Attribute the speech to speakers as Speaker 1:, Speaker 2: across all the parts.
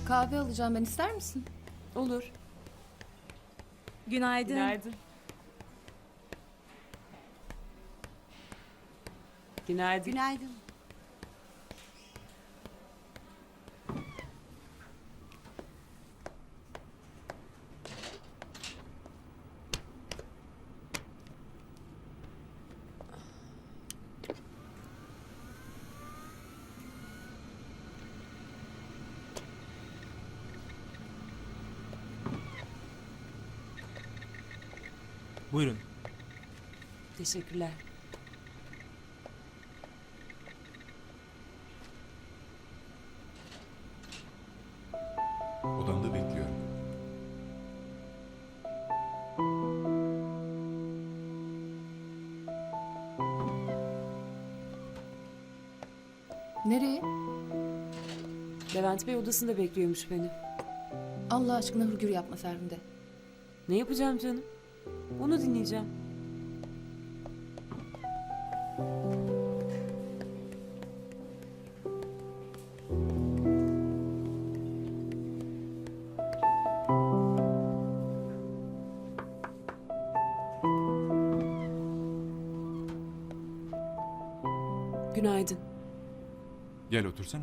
Speaker 1: Kahve alacağım ben, ister misin?
Speaker 2: Olur.
Speaker 3: Günaydın.
Speaker 2: Günaydın. Günaydın.
Speaker 3: Günaydın.
Speaker 4: Buyurun.
Speaker 2: Teşekkürler.
Speaker 5: Odamda bekliyorum.
Speaker 1: Nereye?
Speaker 2: Levent Bey odasında bekliyormuş beni.
Speaker 1: Allah aşkına hırgür yapma Ferhunde.
Speaker 2: Ne yapacağım canım? Onu dinleyeceğim. Günaydın.
Speaker 5: Gel otursana.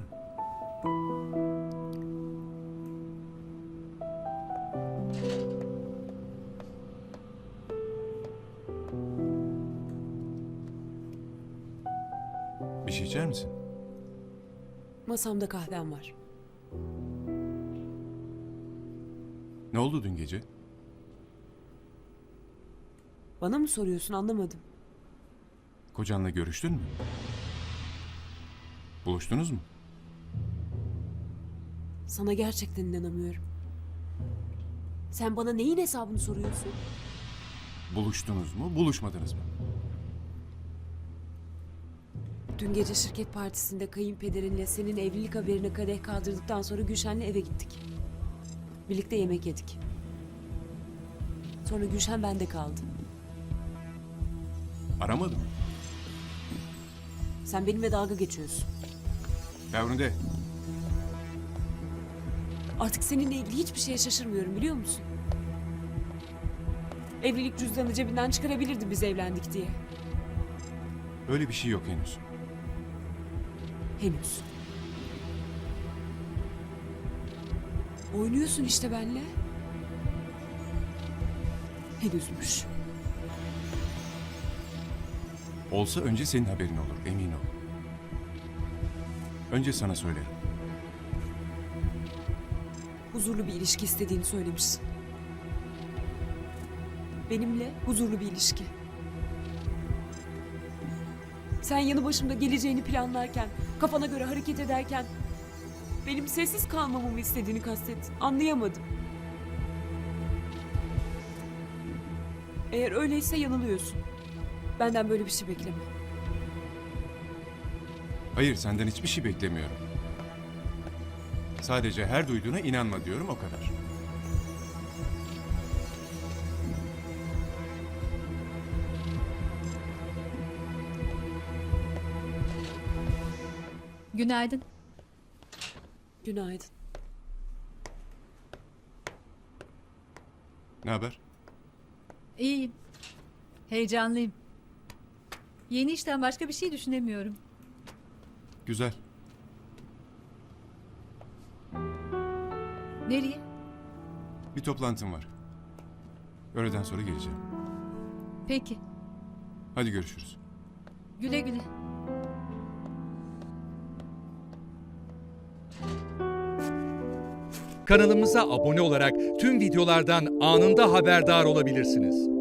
Speaker 5: Bir şey içer misin?
Speaker 2: Masamda kahvem var.
Speaker 5: Ne oldu dün gece?
Speaker 2: Bana mı soruyorsun, anlamadım.
Speaker 5: Kocanla görüştün mü? Buluştunuz mu?
Speaker 2: Sana gerçekten inanamıyorum. Sen bana neyin hesabını soruyorsun?
Speaker 5: Buluştunuz mu, buluşmadınız mı?
Speaker 2: Dün gece şirket partisinde kayınpederinle senin evlilik haberine kadeh kaldırdıktan sonra Gülşen'le eve gittik. Birlikte yemek yedik. Sonra Gülşen bende kaldı.
Speaker 5: Aramadım.
Speaker 2: Sen benimle dalga geçiyorsun.
Speaker 5: Ferhunde,
Speaker 2: Artık seninle ilgili hiçbir şeye şaşırmıyorum, biliyor musun? Evlilik cüzdanını cebinden çıkarabilirdi biz evlendik diye.
Speaker 5: öyle bir şey yok henüz.
Speaker 2: Henüz. Oynuyorsun işte benimle. Henüzmüş.
Speaker 5: Olsa önce senin haberin olur, emin ol. Önce sana söylerim.
Speaker 2: Huzurlu bir ilişki istediğini söylemişsin. Benimle huzurlu bir ilişki. Sen yanı başımda geleceğini planlarken, kafana göre hareket ederken benim sessiz kalmamı mı istediğini kastettin? Anlayamadım. Eğer öyleyse yanılıyorsun. Benden böyle bir şey bekleme.
Speaker 5: Hayır, senden hiçbir şey beklemiyorum. Sadece her duyduğuna inanma diyorum, o kadar.
Speaker 3: Günaydın.
Speaker 2: Günaydın.
Speaker 5: Ne haber?
Speaker 3: İyiyim. Heyecanlıyım. Yeni işten başka bir şey düşünemiyorum.
Speaker 5: Güzel.
Speaker 3: Nereye?
Speaker 5: Bir toplantım var. Öğleden sonra geleceğim.
Speaker 3: Peki.
Speaker 5: Hadi görüşürüz.
Speaker 3: Güle güle.
Speaker 6: Kanalımıza abone olarak tüm videolardan anında haberdar olabilirsiniz.